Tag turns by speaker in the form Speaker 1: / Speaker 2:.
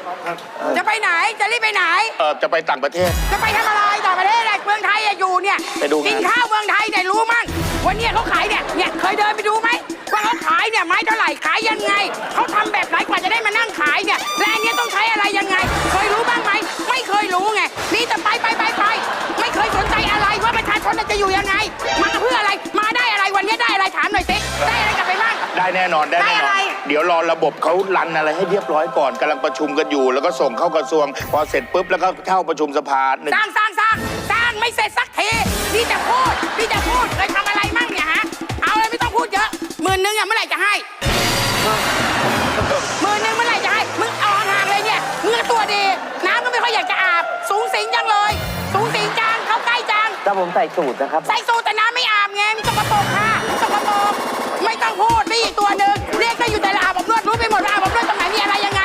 Speaker 1: จะไปไหนจะรีบไปไหน
Speaker 2: จะไปต่างประเทศ
Speaker 1: จะไปทำอะไรต่างประเทศอะไรเมืองไทยอยู่เนี่ย
Speaker 2: ไปดู
Speaker 1: กินข้าวเมืองไทยเนี่ยรู้มั้งวันนี้เขาขายเนี่ยเคยเดินไปดูไหมว่าเขาขายเนี่ยไม้เท่าไหร่ขายยังไงเขาทำแบบไหนกว่าจะได้มานั่งขายเนี่ยและอันนี้ต้องใช้อะไรยังไงเคยรู้บ้างไหมไม่เคยรู้ไงนี่แต่ไปไม่เคยสนใจอะไรว่าประชาชนจะอยู่ยังไงมาเพื่ออะไรมาได้อะไรวันนี้ได้อะไรถามหน่อยสิได้อะไรกลับไปบ้าง
Speaker 2: ได้แน่นอนได้แน่นอนเดี๋ยวรอระบบเขารันอะไรให้เรียบร้อยก่อนกำลังประชุมกันอยู่แล้วก็ส่งเข้ากระทรวงพอเสร็จปุ๊บแล้วก็เข้าประชุมสภา
Speaker 1: สร้างไม่เสร็จสักทีนี่จะพูดเคยทำอะไรมั่งเนี่ยฮะเอาเลยไม่ต้องพูดเยอะ10,000อ่ะเมื่อไหร่จะให้10,000เมื่อไหร่จะให้มึงเอาห่างเลยเนี่ยมึงตัวดีน้ำก็ไม่ค่อยอยากจะอาบสูงสิงจังเลยสูงสิงจังเข้าใกล้จัง
Speaker 3: ถ้าผมใส่สูตรนะครับ
Speaker 1: ใส่สูตรแต่น้ำไม่อาบไงมีสกปรกค่ะสกปรกไม่ต้องพูดนี่อีกตัวหนึ่งเรียกก็อยู่แต่ละอาบอบนวดรู้ไปหมดว่าอาบอบนวดตรงไหนมีอะไรยังไง